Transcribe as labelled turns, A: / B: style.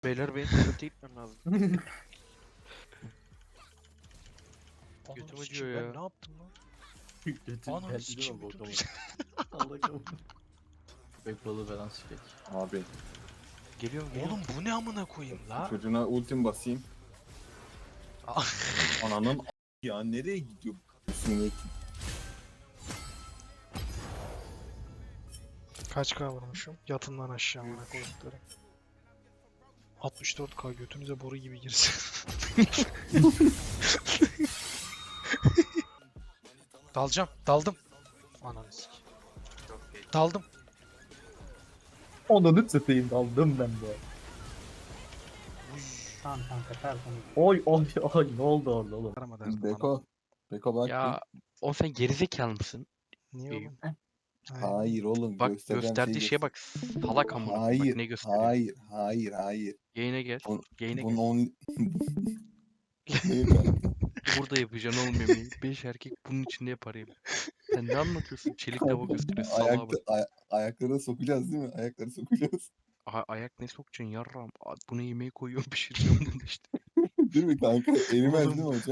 A: Beyler benim tuvalete gitmem lazım. Götüm
B: Ananı
A: acıyor
B: sikeyim,
A: ya.
B: ben ne yaptım lan?
C: Götün
B: Ananı
C: geldi
B: sikeyim,
C: mi
B: bütün
C: bokalı? Allah kabul. Köpek balığı falan sikek.
D: Abi
A: Geliyorum
B: Oğlum bu ne amına koyayım la?
D: çocuğuna ultim basayım.
B: Ah.
D: Ananın ya nereye gidiyor? Üstüne
B: Kaç K vurmuşum? Yatından aşağı amına koyduklarım. 64K götünüze boru gibi girsin. Dalacağım, daldım. Ananı sikeyim. Daldım.
C: Onu satayım daldım ben de.
E: Tamam kanka tertemiz.
C: Oy oy oy ne oldu orada oğlum?
B: Arama derdim bana.
D: Beko. Beko bak.
A: Ya o sen gerizekalı mısın?
B: Niye oğlum?
D: Hayır oğlum
A: Bak
D: göstereceğim
A: gösterdiği
D: şeyi
A: şeye bak. Salak amına. Bak
D: Hayır.
A: ne gösteriyor.
D: Hayır. Hayır. Hayır.
A: Yayına gel.
D: Bunu-
A: Yayına
D: Bunun
A: gel.
D: on... Neyi kanka?
A: Burada yapacaksın oğlum yemeği. 5 erkek bunun içinde yapar yemeği. Sen ne anlatıyorsun? Çelik tava gösteriyor. Salağa bak.
D: Ayaklara sokacağız değil mi? Ayaklara sokacağız.
A: Ayak ne sokacaksın yarram? Buna yemeği koyuyorum pişireceğim bunu işte.
D: Değil mi kanka? Erimez
B: Oğlum,
D: değil mi hocam?